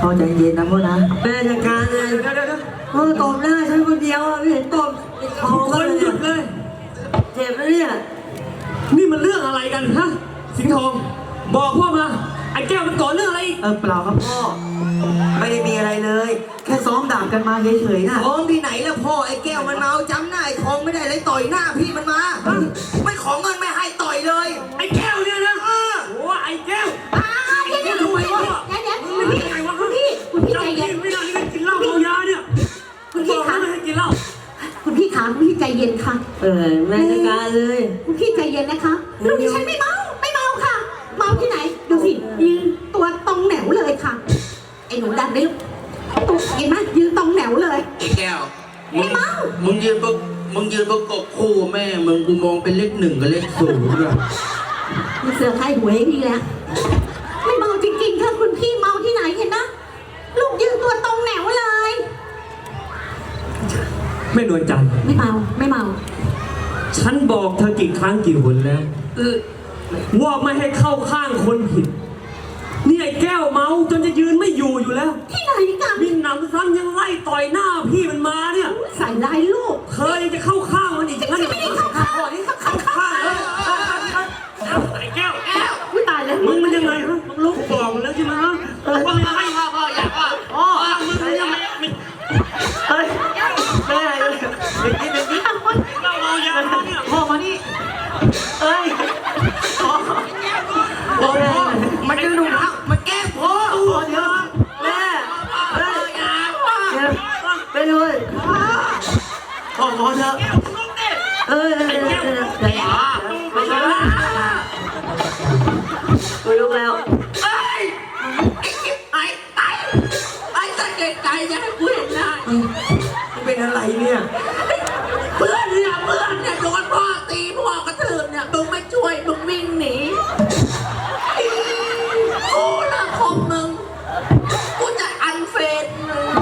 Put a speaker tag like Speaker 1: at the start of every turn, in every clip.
Speaker 1: พ่อใจเย็นนะพ่อนะแม่จัดการเลยพ่อตบหน้าฉันคนเดียวอ่ะไม่เห็นตบคอ
Speaker 2: คนหยุดเลย
Speaker 1: เจ็บแล้วเนี่ย
Speaker 2: นี่มันเรื่องอะไรกันฮะสิงห์ทองบอกพ่อมาไอ้แก้วมันก่อเรื่องอะไรอีก
Speaker 1: เปล่าครับพ่อไม่ได้มีอะไรเลย แค่ซ้อมดาบกันมาเฉยๆนะ
Speaker 3: ท้องที่ไหนแล้วพ่อไอ้แก้วมันเมาจำหน้าไอ้ทองไม่ได้เลยต่อยหน้าพี่มันมาไม่ขอเงินไม่ให้ต่อยเลย
Speaker 2: ไอ้แก้วเนี่ยนะโอ้ไอ้แก้ว
Speaker 4: เดี๋ยวคุณพี่ใจเย็น
Speaker 2: ไม่ได้นี่กินเหล้าเมายาเนี่ยคุณบอกไม่ให้กินเหล้า
Speaker 4: คุณพี่ขาคุณพี่ใจเย็นค่ะ
Speaker 1: แม่จัดการเลย
Speaker 4: คุณพี่ใจเย็นนะคะลูกดิฉันไม่เมาค่ะ เมาที่ไหนดูสิยืนตัวตรงแหนวเลยค่ะไอ้หนูดันได้ตุ๊กเห็นไหมยืนตรงแหนวเลย
Speaker 3: ไอ้แก้ว
Speaker 4: ไม่เมา
Speaker 3: มึงยืนประกบคู่แม่มึงกูมองเป็นเลข1กับเลข0ด้วย
Speaker 4: มีเสือใครหวยนี่แหละไม่เมาจริงๆค่ะคุณพี่เมาที่ไหนเห็นนะลูกยืนตัวตรงแหนวเลย
Speaker 2: แม่นวลจันทร์
Speaker 4: ไม่เมา
Speaker 2: ฉันบอกเธอกี่ครั้งกี่หนแล้วว่าไม่ให้เข้าข้างคนผิดนี่ไอ้แก้วเมาจนจะยืนไม่อยู่แล้ว
Speaker 4: ที่ไหนกัน
Speaker 2: มีหนำซ้ำยังไล่ต่อยหน้าพี่มันมาเนี่ย
Speaker 4: ใส่ลายลูก
Speaker 2: เธอยังจะเข้าข้างมันอีกอย่างนั้น
Speaker 4: ไม่ได้เข้าข้างเลยเข้าข้าง
Speaker 2: ไอ้แก้ว
Speaker 4: อุ้ยตายแล้ว
Speaker 2: มึงมันยังไงฮะมึงรู้บอกมันแล้วใช่ไหมฮะว่าไม่ให้พ่ออยากว่ามึงยังไม่
Speaker 1: เฮ้ยแม่เป็นที่
Speaker 2: เราเมายาเนี่ย
Speaker 1: พ่อมานี่เอ้ยพ่อมันจะหนุ่มแล้วมันแกล้งพ่อเดี๋ยวแม่เฮ้ยไปเลยพ่อเถอะไปลุกแล้ว
Speaker 3: ไอ้สัตว์เด็กใจจะให้กูเห็นหน้า
Speaker 1: เป็นอะไรเนี่ย
Speaker 3: เพื่อนเนี่ยโดนพ่อตีพ่อกระทืบเนี่ยมึงไม่ช่วยมึงวิ่งหนีกูละคมมึงกูจะอันเฟนมึง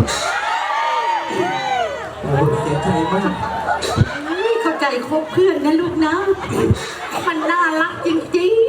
Speaker 1: โอ้เสียใจมาก
Speaker 4: ไม่เข้าใจคบเพื่อนนะลูกนะ มันน่ารักจริง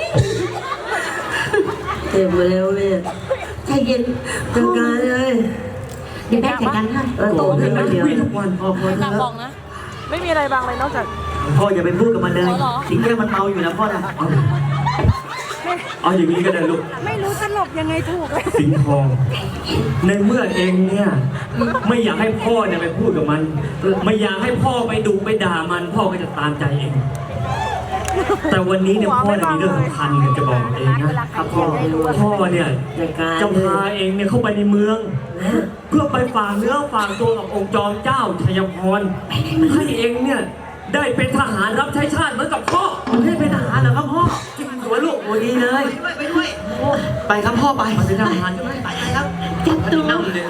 Speaker 1: เจ็บมาแล้วเนี่ย
Speaker 4: ๆใจเย็น
Speaker 1: จัดการเลย
Speaker 4: เดี๋ยวแม่จัดการให้
Speaker 1: โตขึ้นมาเดียว
Speaker 2: ทุกวัน
Speaker 1: พ่อ
Speaker 5: หนักบอกนะ ไม่มีอะไรบางเลยนอกจาก
Speaker 1: พ่ออย่าไปพูดกับมันเลย
Speaker 5: เหรอ
Speaker 1: สิ่งที่มันเมาอยู่นะพ่อนะ
Speaker 2: เอาอย่างนี้ก็ได้ลูก
Speaker 5: ไม่รู้จะหลบยังไงถูกเลย
Speaker 2: สิงห์ทองในเมื่อเองเนี่ยไม่อยากให้พ่อเนี่ยไปพูดกับมัน ไม่อยากให้พ่อไปดุไปด่ามันพ่อก็จะตามใจเอง แต่วันนี้เนี่ยพ่อเนี่ยมีเรื่องสำคัญเนี่ยจะบอกเองนะครับ
Speaker 1: พ่อไม่รู้
Speaker 2: พ่อเนี่ย
Speaker 1: จัดการ
Speaker 2: จะพาเองเนี่ยเข้าไปในเมือง เพื่อไปฝากเนื้อฝากตัวกับองค์จอมเจ้าชัยพรให้เองเนี่ยได้เป็นทหารรับใช้ชาติเหมือนกับพ่อ
Speaker 1: ผมให้เป็นทหารเหรอครับพ่อ
Speaker 2: จริงหัวลูก
Speaker 1: โอ้ดีเลย
Speaker 3: ไปด้วย
Speaker 1: ไปครับพ่อไป
Speaker 2: มันเป็นทหารใช่ไหม
Speaker 3: ไปครับ
Speaker 4: จับตัว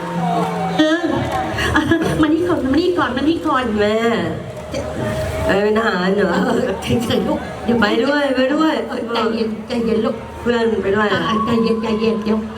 Speaker 4: มานี่ก่อน
Speaker 1: แม่เป็นทหารเหรอ
Speaker 4: เฉยๆลูกเดี๋ยว
Speaker 1: ไปด้วย
Speaker 4: ใจเย็นลูก
Speaker 1: เพื่อนไปด้วย
Speaker 4: ใจเย็นเดี๋ยว